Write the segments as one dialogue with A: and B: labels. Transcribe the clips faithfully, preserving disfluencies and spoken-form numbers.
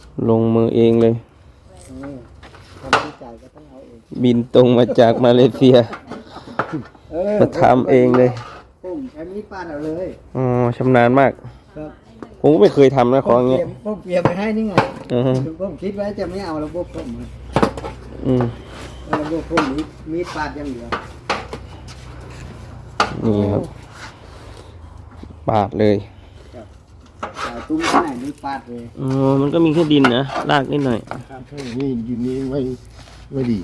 A: ลงมือเองเลย
B: ทำที่ใจก็ต้องเอาเอง
A: บินตรงมาจากมาเลเซียมาทำเองเลย
B: ผมใช้มีดปาดเอาเลย
A: อ๋อชำนาญมาก
B: ครับ
A: ผมก็ไม่เคยทำนะของเงี้ย
B: ผมเปลี่ยนไปให้นี่ไง
A: อือฮึ
B: ผมคิดไว้จะไม่เอาระบบผม
A: อืม
B: ระบบผมมีมีดปาดอย่างเดียว
A: นี่ครับปาดเลย
B: ตุ้มที่ไหนมีปาดเลย
A: อ๋อมันก็มีแค่ดินนะรากนิดหน่อย
C: นี่ดินนี้ไม่ไม่ดี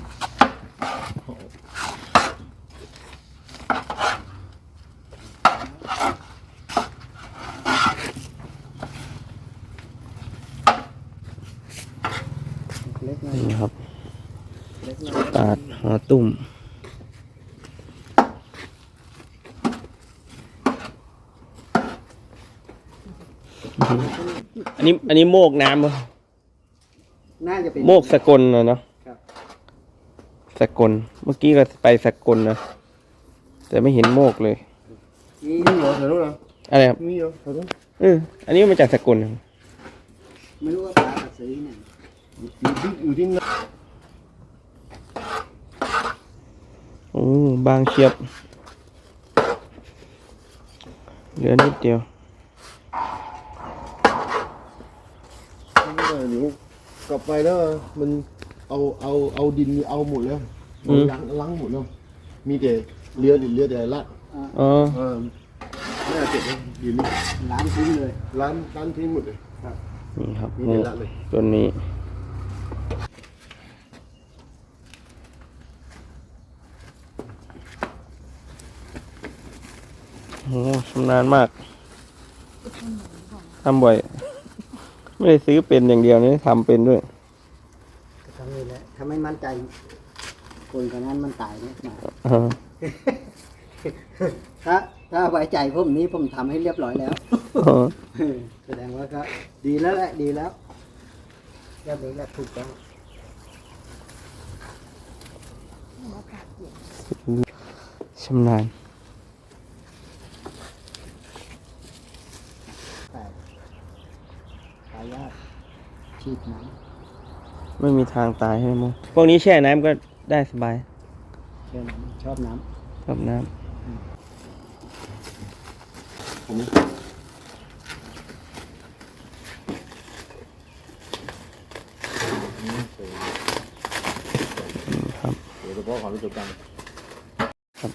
A: นี่ครับปาดหาตุ่มอันนี้อันนี้โมกน้ำเหรอ
B: น่าจะเป็น
A: โมกสกลนะเนาะสกลเมื่อกี้ก็ไปสกลนะแต่ไม่เห็นโมกเลย
C: มีเหรอแถวนู้นเหรอ
A: อะไรครับ
C: มีเหรอแถวนู้น
A: เอออันนี้มาจากสกล
B: ไม่รู้ว่าปลาซื้อเนี่ย
C: อยู่ที่อยู่ที่นั่น
A: โอ้บางเชียบเหลือนิดเดียว
C: เดี๋ยวกลับไปแล้วมันเอาเอาเอาดินเอาหมดแล้วล้างล้างหมดแล้วมีแต่เรือเรือแต่ละ
A: อ๋อ
C: เออไม่เอาเจ็บเลยดินนี่
B: ล้างทิ้งเลย
C: ล้างล้างทิ้งหมดเลย
A: ครับนี่ครับ
C: มีแต่ละเลย
A: ตัวนี้โอ้ชำนาญมากทำบ่อยไม่ได้ซื้อเป็นอย่างเดียวนี่ทำเป็นด้วย
B: ทำเลยแหละถ้าไม่มั่นใจคนคนนั้นมันตายเนี่ยถ้าถ้าไว้ใจผมนี้ผมทำให้เรียบร้อยแล้วแสดงว่าก็ดีแล้วแหละดีแล้วเรียบร้อยแล้วถูกต้อง
A: ชำนาญ
B: ตายยากฉีดน้
A: ำไม่มีทางตายใช่ไหมพวกนี้แช่น้ำก็ได้สบาย
B: ชอบน้
A: ำชอบน้ำ
C: ผม
A: ครับ
C: เดี๋ยวเฉพาะความรู้สึกกัน
A: ครับ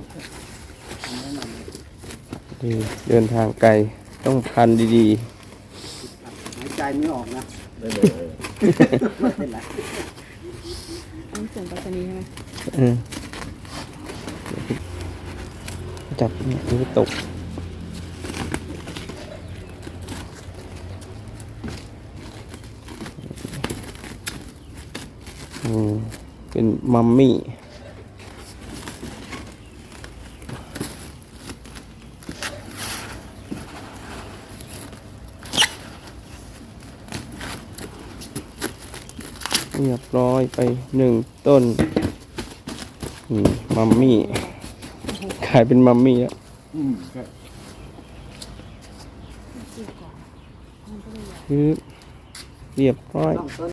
A: ดีเดินทางไกลต้องพันดี
B: ๆหายใจไม่ออกนะ
C: ไม่เลย
B: ไม่เป็นไร
D: ต้องส่งไปรษณีย์ใช่ไหม
A: เออจับเนี่ยดูตกอืมเป็นมัมมี่เรียบร้อยไปหนึ่งต้นนี่มัมมี่กลายเป็นมัมมี่แล้วคือเรียบร้อย